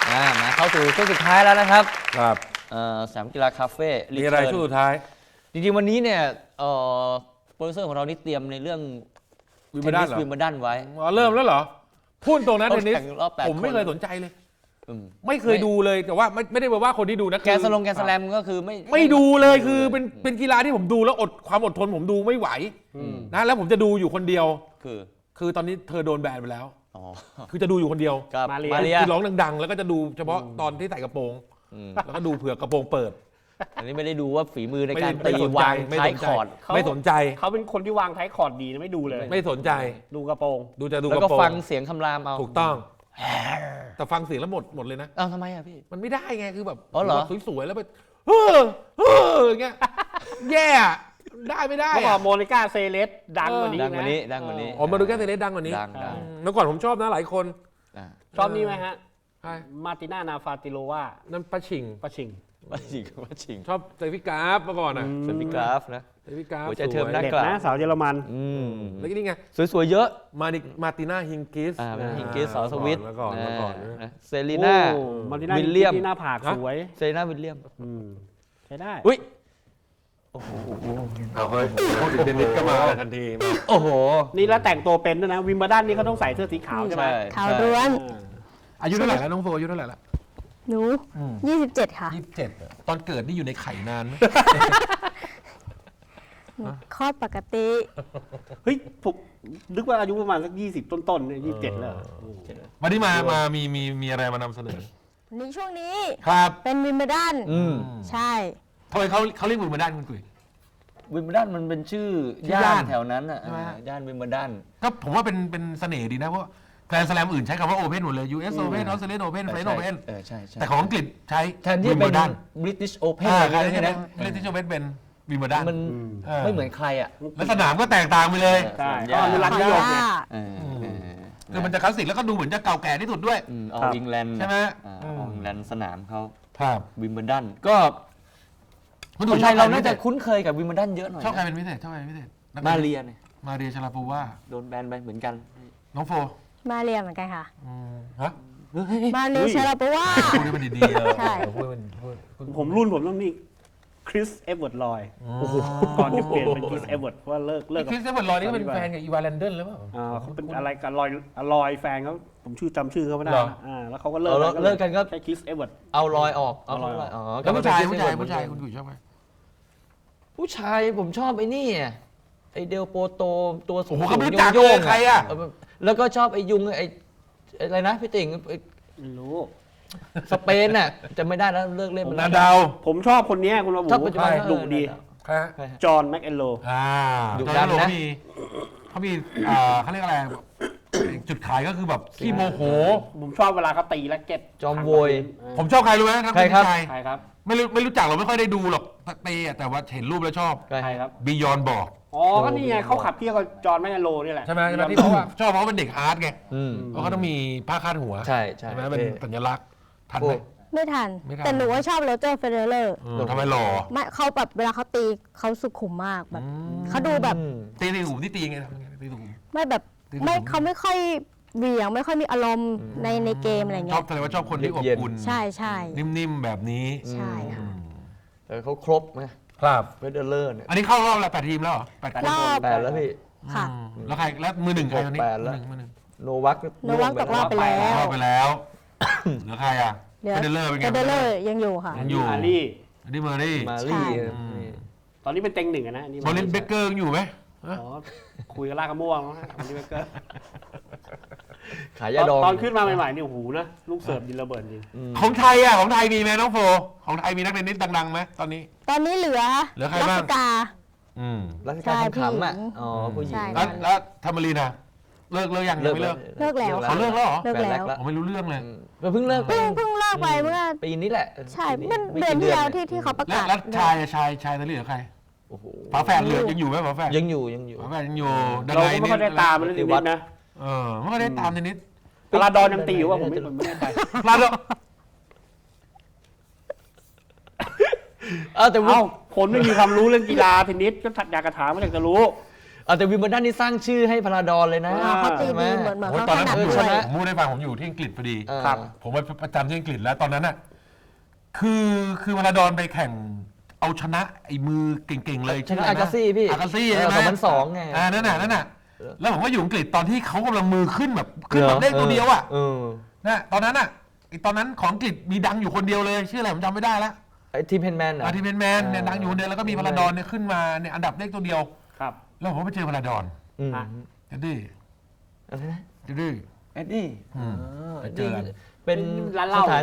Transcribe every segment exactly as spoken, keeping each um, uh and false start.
อ่ามาเข้าสู่ช่วงสุดท้ายแล้วนะครับครับสนามกีฬาคาเฟ่มีอะไรช่วงสุดท้ายจริงๆวันนี้เนี่ยโปรดิวเซอร์ของเรานี่เตรียมในเรื่องวิมเบิลดันเหรอวิมเบิลดันไว้อ๋อเริ่มแล้วเหรอพูดตรงนั้นเทนนิสแข่งรอบแปดผมไม่คนเคยสนใจเลยอืมไม่เคยดูเลยแต่ว่าไม่ไม่ได้แปลว่าคนที่ดูนะแกนสลงแกนสแลมก็คือไม่ไม่ดูเลยคือเป็นเป็นกีฬาที่ผมดูแล้วอดความอดทนผมดูไม่ไหวนะแล้วผมจะดูอยู่คนเดียวคือคือตอนนี้เธอโดนแบนไปแล้วอ๋อคือจะดูอยู่คนเดียวกับมาเรียมาเรียคือร้องดังๆ แล้วก็จะดูเฉพาะตอนที่ใส่กระโปรงอืมแล้วก็ดูเผื่อกระโปรงเปิดอันนี้ไม่ได้ดูว่าฝีมือในไม่การไม่ตีสนใจวางไม่ท้ายสนใจคอร์ดไม่สนใจเขาเป็นคนที่วางท้ายคอร์ดดีนะไม่ดูเลยไม่สนใจดูกระโปรงดูจะดูแล้วกก็ระโปรงฟังเสียงคำรามเอาถูกต้อง แต่ฟังเสียงแล้วหมดหมดเลยนะเอ้าทำไมอ่ะพี่มันไม่ได้ไงคือแบบอ๋อเหรอสวยๆแล้วไปเฮ้อเฮ้ออย่างเงี้ยแย่อะได้ไม่ได้เมื่อก่ออะนโมนิก้าเซเลสดังกว่านี้ดังกว่านี้ะดังกว่านี้อ๋อมาดูแค่เทเลสดังกว่านี้ดังดังอืมเมื่อก่อนผมชอบนะหลายคนอ่าชอบนี่ไหมฮะใช่มาร์ติน่านาฟาติโลวานั่นป้าชิงปะชิงว่าจริงว่าจริงชอบเซฟิกราฟเมื่อก่อนอ่ะเป็นพี่กราฟนะเซฟิกราฟหัวใจเทิมสวยนะเด็ดนะสาวเยอรมันอืมแล้วก็นี่ไงสวยๆเยอะมาดิมาร์ติน่าฮิงกิสอ่าเป็นฮิงกิสสอสวิตเมื่อก่อนเมื่อก่อนอ่าเมื่อก่อนนะเซรีน่าโอ้มาร์ติน่าวิลเลียมที่หน้าผากฮะสวยเซรีน่าวิลเลียมอืมใช้ได้อุ้ยเอาเฮ้ยพูดถึงเทนนิสก็มาทันทีมาโอ้โหนี่แล้วแต่งตัวเป็นด้วยนะวิมเบิลดันนี่เขาต้องใส่เสื้อสีขาวใช่ไหมขาวล้วนอ่าอายุเท่าไหร่แล้วน้องโฟอายุเท่าไหร่ละหนูยี่สิบเจ็ดค่ะยี่สิบเจ็ดตอนเกิดนี่อยู่ในไข่นานไหมคลอดปกติเฮ้ยผมนึกว่าอายุประมาณสักยี่สิบต้นๆเนี่ยยี่สิบเจ็ดแล้ววันนี้มามามีมีมีอะไรมานำเสนอในช่วงนี้ครับเป็นวิมเบิลดันอืมใช่ทำไมเขาเขาเรียกวิมเบิลดันคุณกุยวิมเบิลดันมันเป็นชื่อชื่อย่าย่าน นแถวนั้นอ่ะใช่ไหมอ่าย่านวิมเบิลดันก็ผมว่าเป็นเป็นเสน่ห์ดีนะเพราะแกรนด์สแลมอื่นใช้คำว่าโอเพนหมดเลย ยู เอส Open ออสเตรเลียน Open เฟรนด์ Open เออใช่ใช่แต่ของอังกฤษใช้แทนที่วิมเป็เบินลดัน British Open อ่าอะไรใช่อย่างใช่เงี้ยไหมนะเล่นที่โอเพนเป็นวิมเบิลดันมันเออไม่เหมือนใครอ่ะแล้วสนามก็แตกต่างไปเลยใช่ย่าก็อนุรักษ์นิยมไงเออเออคือมันจะคลาสสิกแล้วก็ดูเหมือนจะเก่าแก่ที่สุดด้วยอืมออครัลบอิงแลนด์ใช่ไหมออลอิงแลนด์สนามเขาครับวิมเบิลดันก็คุณคดูนชไทอบยใครเราเป็นน่าพิเศจะษคุ้นเคยกับวิมเบิลดันเยอะหน่อยชอบใครเป็นพิเศษชอบใครเป็นพิเศษนักมาตะเรียเนี่ยมาเรียชลาปูว่าโดนแบนไปเหมือนกันน้องโฟมาเรียเหมือนกันค่ะอืมฮะมาเรียเชลาปว่าพูดให้มันดีๆเออใช่พูดให้มันพูดพูดผมรุ่นผมต้องนี่คริสเอเวิร์ดลอยก่อนจะเปลี่ยนเป็นคริสเอเวิร์ดเพราะว่าเลิกเลิกคกับริสเตอร์ลอยนี่ก็เป็นแฟนกับอีวาแลนเดนหรือเปล่าอ่าเขาเป็นอะไรกันลอยลอยแฟนเขาผมชื่อจำชื่อเขาไม่ได้เหรอนะอ่าแล้วเขาก็เลิกเอาเลิกกันก็ใช้คริสเอเวิร์ดเอารอยออกเอาเอารรออย ยออออกกอ๋อแล้วผู้ชายก็ผู้เป็นชายเซผู้ชายเวิร์ดคุณกุ๋ยชอบไหมผู้ชายผมชอบไอ้นี่อะไอเดลโปโตตัวสูโอ้งโหๆเขาไม่รู้จักโยเลยงๆใครอะเแล้วก็ชอบไอยุงไอไอ้อะไรนะพี่ติ่งไอ้ไม่รู้สเปนน่ะจะไม่ได้แล้วเลิกเล่นไปนาแล้วดาวผมชอบคนเนี้ยคุณระบุชอบปัจจุบันดุดีใครฮะใครฮะจอห์นแม็กเอนโลอ่าดุจอดัร์นนโลนะมีเขามีอ่าเขาเรียกอะไร จุดขายก็คือแบบขี้โมโหผมชอบเวลาเขาตีและเก็ตจอมโวยผมชอบใครรู้ไหมทั้งใครครับผู้ชายใครครับไม่รู้ไม่รู้จักเราไม่ค่อยได้ดูหรอกตีอะแต่ว่าเห็นรูปแล้วชอบใครใครครับบียอนบอกอ๋อก็นี่ไงเขาขับเคี่ยวกับจอห์นแม็กเอนโลนี่แหละใช่ไหมใช่ไหมที่เขาว่าชอบเพราะว่าเป็นเด็กอาร์ตไงอืมเพราะเขาต้องมีผ้าคาดหัวใช่ใช่ใช่ไหมเป็นท่สัญลักษณ์ทันไหมไม่ทันไม่ทันแต่หนูว่าชอบโรเจอร์เฟเดเลอร์เออทำไมหล่อไม่เขาแบบเวลาเขาตีเขาสุขุมมากแบบเขาดูแบบอืมตีตีหูที่ตีไงทำยังไงตีหูไม่แบบตีสุขุมไม่เขาไม่ค่อยเหวี่ยงไม่ค่อยมีอารมณ์ในในเกมอะไรชอเงี้บยแสดงว่าชอบคนที่อบอุ่นใช่ใช่นิ่มๆแบบนี้ใช่ค่ะแต่เขาครบไงครับเฟเดอเลอร์เนี่ยอันนี้เข้ารอบแล้วแปดทีมแล้วเหรอแปดคนรอบแปดแล้วพี่ค่ะอืมแล้วใครแล้วมือหนึ่งใครตอนนี้แปดแล้วมือหนึ่งโนวัคโนวัคตกรอบไปแล้วเข้าไปแล้ว เหลือใครอ่ะเหลือเฟเดเลอร์เป็นไงเฟเดเลอร์ยังอยู่ค่ะยังอยู่อารี่อันนี้เมอร์รี่มาใช่ลี่อืมตอนนี้เป็นเต็งหนึ่งอะนะอันนี่โซลินเบเกอร์ยังอยู่ไหมอ๋อคุยกับลากกระม่วงนะอันนี้เบเกอร์ขายยาดองตอนขึ้นมาใหม่ๆนี่โอ้โหนะลูกเสิร์ฟดินระเบิดจริงอืมของไทยอ่ะของไทยมีไหมน้องโฟของไทยมีนักเทนนิสดังๆไหมตอนนี้ตอนนี้เหลือเหลือใครรับ้างสกาอืมรัชการขำๆอ่ะใช่อ๋อผู้หญิงใช่แล้วแล้วธรรมรีนอ่ะเลิกเลิกยังยังไม่เลิกเลิกแล้วเขาเลิกแล้วเหรอเลิกแล้วผมไม่รู้เรื่องเลยอืมเพิ่งเลิกไปเพิ่งเพิ่งเลิกไปเมื่อปีนี้แหละใช่ปีเมื่อไม่เดือนกี่ที่แล้วยที่ที่เขาประแล้วกาศแล้วชายอะชายชายตอนนี้เหลือใครโอ้โหฝาแฝดเหลือยังอยู่ไหมฝาแฝดยังอยู่ยังอยู่ฝาแฝดยังอยู่ดังเราไงก็ไม่ค่อยได้ตามมันเลยนิดนะเออไม่ค่อยได้ตามเทนนิสพลาดอนยังตีอยู่ว่าผมไม่ผมไม่แน่ใจพลาดแล้วเออแต่ว่าเอ้าคนไม่มีความรู้เรื่องกีฬาเทนนิสก็อยากกระถามก็อยากจะรู้เอาแต่วิมเบิลดันนี่สร้างชื่อให้พาราดอนเลยนะอ่าเขาตีใช่ไหมดีเหมือนเหมือนโอ้ยเขาตอนถนั้นนัดผมอยู่ด้วยชนะผมพูดให้ฟังผมอยู่ที่อังกฤษพอดีเออครับผมไปประจำที่อังกฤษแล้วตอนนั้นน่ะคือคือมาราดอนไปแข่งเอาชนะไอ้มือเก่งๆเลยชนะชื่ะไรอากาซี่พี่อากาซี่เออใช่ไหมสองพันสองไงอ่านั่นน่ะนั่นน่ะแล้วผมก็อยู่อังกฤษตอนที่เขากำลังมือขึ้นแบบขึ้นแบบเลขตัวเดียวอ่ะเออนะตอนนั้นอ่ะไอ้ตอนนั้นของอังกฤษมีดังอยู่คนเดียวเลยชื่ออะไรผมจำไม่ได้ละไอ้ทีมเพนแมนเหรออาร์ทีเพนแมนเนี่ยดังอยู่คนเดียวแล้วก็มีพาราดอนเนี่ยขึ้นมาเนี่ยอันดับเลขตัวเดียวครับแล้วผมก็ไปเจอพาราดอนอืมอ่ะจะดื้ออะไรนะจะดื้อเอ็ดดี้อืม ไปเจอกันเป็นร้านเหล้าสถาน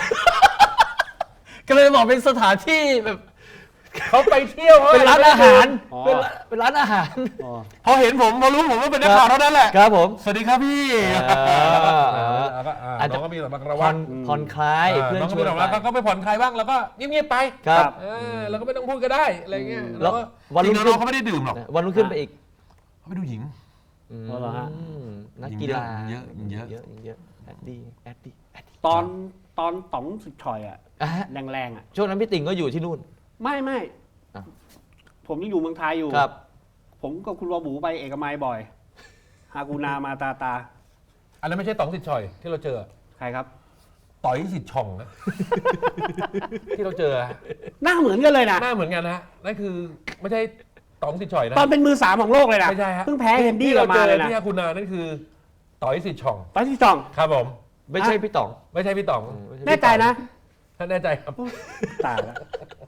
ก็เลยบอกเป็นสถานที่แบบเขาไปเที่ยวเป็นร้านอาหารอ๋อเป็นร้านเป็นร้านอาหารอ๋อพอเห็นผมพอรู้ผมว่าเป็นนักข่าวเท่านั้นแหละครับผมสวัสดีครับพี่อ่าแล้วก็อ่าอาจจะน้องก็มีแบบมากระผ่วัอง นผ่อนคลายเพื่อนน้องชก็วมีนแบบไปว่าก็ไปผ่อนคลายบ้างแล้วก็เงียบๆไปครับเออแล้วก็ไม่ต้องพูดก็ได้อะไรเงี้ยแล้วก็วันรุ่งจริงๆขึ้นน้องเขาไม่ได้ดื่มหรอกวันรุ่งขึ้นไปอีกเขาไปดูหญิงอืมอ๋อเหรอฮะนักกีฬาเยอะเยอะเยอะเยอะแอดดี้แอดดี้แอดดี้ตอนตอนต๋องสุดฉ่อยอ่ะอ่ะฮะแรงๆอ่ะช่วงนั้นพี่ติ่งก็อยู่ที่นู่นไม่ไม่อ้าวผมยังอยู่เมืองไทยอยู่ครับผมกับคุณวอบูไปเอกมัยบ่อย ฮากูนามาตาตาอันนั้นไม่ใช่ต๋องสิทธิ์ชอยที่เราเจอใครครับต่อยสิทธิ์ช่องนะ ที่เราเจอหน้าเหมือนกันเลยนะหน้าเหมือนกันนะนั่นคือไม่ใช่ต๋องสิทธิ์ชอยนะตอนเป็นมือสามของโลกเลยนะไม่ใช่ฮะเพิ่งแพ้เฮนดี้ที่กลัเราบมาเจอเลยนะที่อาคุณนานั่นคือต่อยสิทธิ์ช่องตอนที่สองครับผมไม่ใช่พี่ต๋องไม่ใช่พี่ต๋องแน่ใจนะท่านแน่ใจครับตายแล้ว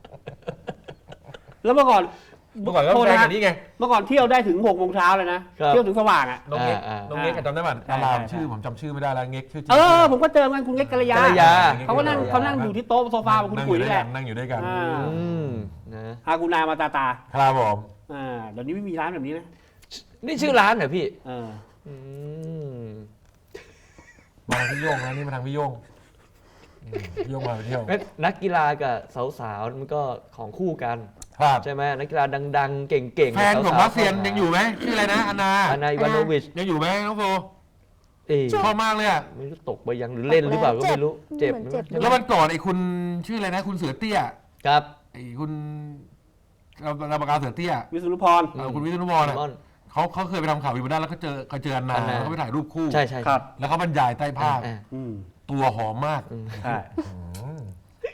แล้วเมื่อก่อนเมื่อก่อนก็โทษแฟนนะกันนี่ไงเมื่อก่อนเที่ยวได้ถึงหกโมงเช้าเลยนะครับเที่ยวถึงสว่างอ่ะน้องเง็กอ่าน้องเง็กจำได้ป่ะใช่ดารามใช่ชื่อผมจำชื่อไม่ได้แล้วเง็กชื่อจริงเออ ผมก็เจอกันคุณเล็กกัลยากัลยาเขาก็นั่งเขานั่งอยู่ที่โต๊ะโซฟากับคุณนั่งอกุ๋ยยู่ด้นี่วยแหกัละนนั่งอยู่ด้วยกันอ่าอืมนะฮากูนามาตาตาครับผมอ่าเดี๋ยวนี้ไม่มีร้านแบบนี้นะนี่ชื่อร้านเหรอพี่เอออืมมาทางพี่โยงนะนี่มาทางพี่โยงอืมพี่โยงมาไปเที่ยวงั้นนักกีฬากับสาวๆมันก็ของคู่กันครับใช่ไหมนักกีฬาดังๆ เก่งๆแฟนของสาวๆรัสเซียนยังอยู่ไหมชื่ออะไรนะอานาอานาอิวานโนวิชยังอยู่ไหมน้องโฟเอ๊ะชอบมากเลยอ่ะไม่รู้ตกไปยังหรือเล่นหรือเปล่าก็ไม่รู้เจ็เจ็บบ เหมือนเจ็บใช่ไหมแล้ววันก่อนไอ้คุณชื่ออะไรนะ คุณเสือเตี้ยครับไอ้คุณเราเราประกาศเสือเตี้ยวิศนุพรเออคุณวิศนุวรมอ่ะอนเขาเขาเคยไปทำข่าววิบัติแล้วเขาเจอเขาเจออันนาอันนาแล้วก็ไปถ่ายรูปคู่ใช่ใช่ครับแล้วเขาบรรยายใต้ภาพอ่าอืมตัวหอมมากใช่อืม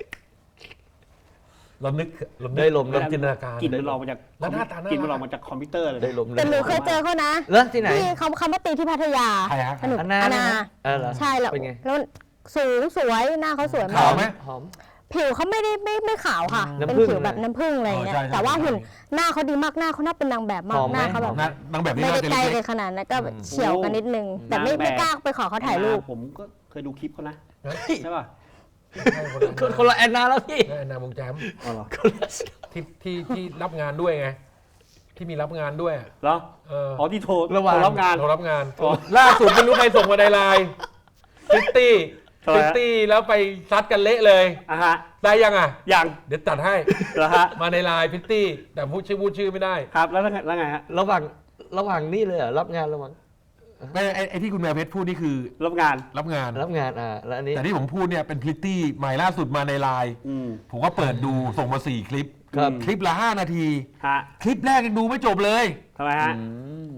เรานึกเรานึกได้ลมเราได้จินตนาการกลิ่นมันออกมาจากแล้วหน้าตาน่ารักกลิ่นมันออกมาจากคอมพิวเตอร์เลยได้ลมแต่หนูเคยเจอเขานะเหรอที่ไหนที่เขาเขามาตีที่พัทยาใครฮะสนุกอันนาอานาเออเหรอใช่แล้วเป็นไงแล้วสูงสวยหน้าเขาสวยขามาว กไหมหอมผิวเขาไม่ได้ไม่ไม่ขาวค่ะน้ำเป็นผึ้งผิวแบบน้ำผึ้งอะไรอย่างเงี้ยอ๋อใช่ใช่แต่ว่าหุ่นใช่หน้าเขาดีมากหน้าเขาน่าเป็นนางแบบมาหกอมไหมหน้าเขาแบบนางนางแบบนี้ไม่น่าได้จะใกล้เล็กักนขนาดนั้นก็แบบเฉียวกันนิดนึง แต่ไม่นางแบบไม่กล้าไปขอเขาถ่ายรูปผมก็เคยดูคลิปเขานะๆนะใช่ป่ะคนคนละแอนนาแล้วพี่นั่นแอนนาวงแจมอ๋อเหรอคนละที่ที่ที่รับงานด้วยไง ที่มีรับงานด้วยอะเหรอเอออ๋อที่โทรระหว่างโทรรับงานเรารับงานอ๋อล่าสุดไม่รู้ใครส่งมาในไลน์ฟิตตี้ทำไมฟิตฮะตี้แล้วไปซัดกันเละเลยอ่ะฮะได้ยังอ่ะยังเดี๋ยวจัดให้เหรอฮะมาในไลน์ฟิตตี้แต่พูดชื่อพูดชื่อไม่ได้ครับแล้วไงแล้วไงฮะระหว่างระหว่างนี่เลยเหรอรับงานระหว่างไม่ไอ้ไอ้ที่คุณแมวเพชรพูดนี่คือรับงานรับงานรับงานอ่าแล้วอันนี้แต่ที่ผมพูดเนี่ยเป็นพริตตี้ใหม่ล่าสุดมาในไลน์อืมผมก็เปิดดูส่งมาสี่คลิปครับคลิปละห้านาทีฮะคลิปแรกยังดูไม่จบเลยทำไมฮะอืม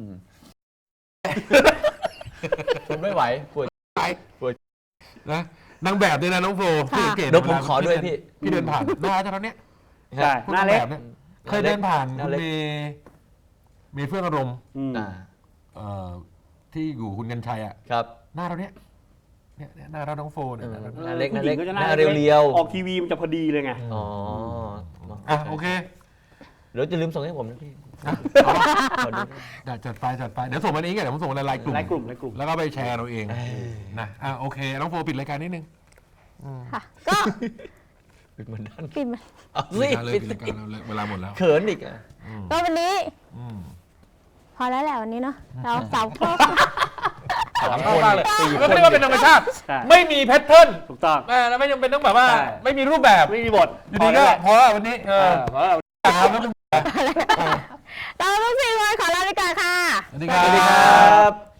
ทนไม่ไหวปวดไปปวดนะนางแบบด้วยนะน้องโฟค่ะพี่สังกตเดี๋ยวผมขอด้วยพี่พี่เดินผ่านหน้าเท่านั้นเนี่ยใช่พวกหน้าางเล็กแบบเนี่ยเคยเดินผ่านหน้าคุณเล็กเมย์เมย์เฟื่องอารมณ์อืมอ่าเอ่อที่อยู่คุณกันชัยอ่ะครับหน้าเราเนี่ยเนี่ยเนี่ยหน้าเราน้องโฟเนี่ยเออหน้าเราหน้าเล็กผู้หน้าเล็กญิงจะหน้าเรียวๆออกทีวีมันจะพอดีเลยไงอ๋ออ่ะโอเคเดี๋ยวจะลืมส่งให้ผมนะพี่อ่ะขอดูจัดจัดไปจัดไปเดี๋ยวส่งมาในนี้กันเดี๋ยวผมส่งในไลน์กลุ่มไลน์กลุ่มไลน์กลุ่มแล้วก็ไปแชร์เราเองนะอ่ะโอเคน้องโฟปิดรายการนิดนึงค่ะ ก็ปิดเหมือนด้านปิดมาเอาสิปิดรายการเลยปิดปิดรายการเราเวลาหมดแล้วเขินอีกอ่ะก็วันนี้อืมพอแล้วแหละวันนี้เนาะเราสาวครอบสามชอบคนมากเลยสี่ก็คนเรียกว่าเป็นธรรมชาติใช่ไม่มีแพทเทิร์นถูกต้องแม่แล้วไม่จำเป็นต้องแบบว่าใช่ไม่มีรูปแบบไม่มีบทอยู่ดีก็พอแล้ววันนี้เอเอออเพราะเราครับแล้วเราต้องสี่คนขอลาไปก่อนค่ะสวัสดีสครัวัสดีคบรับ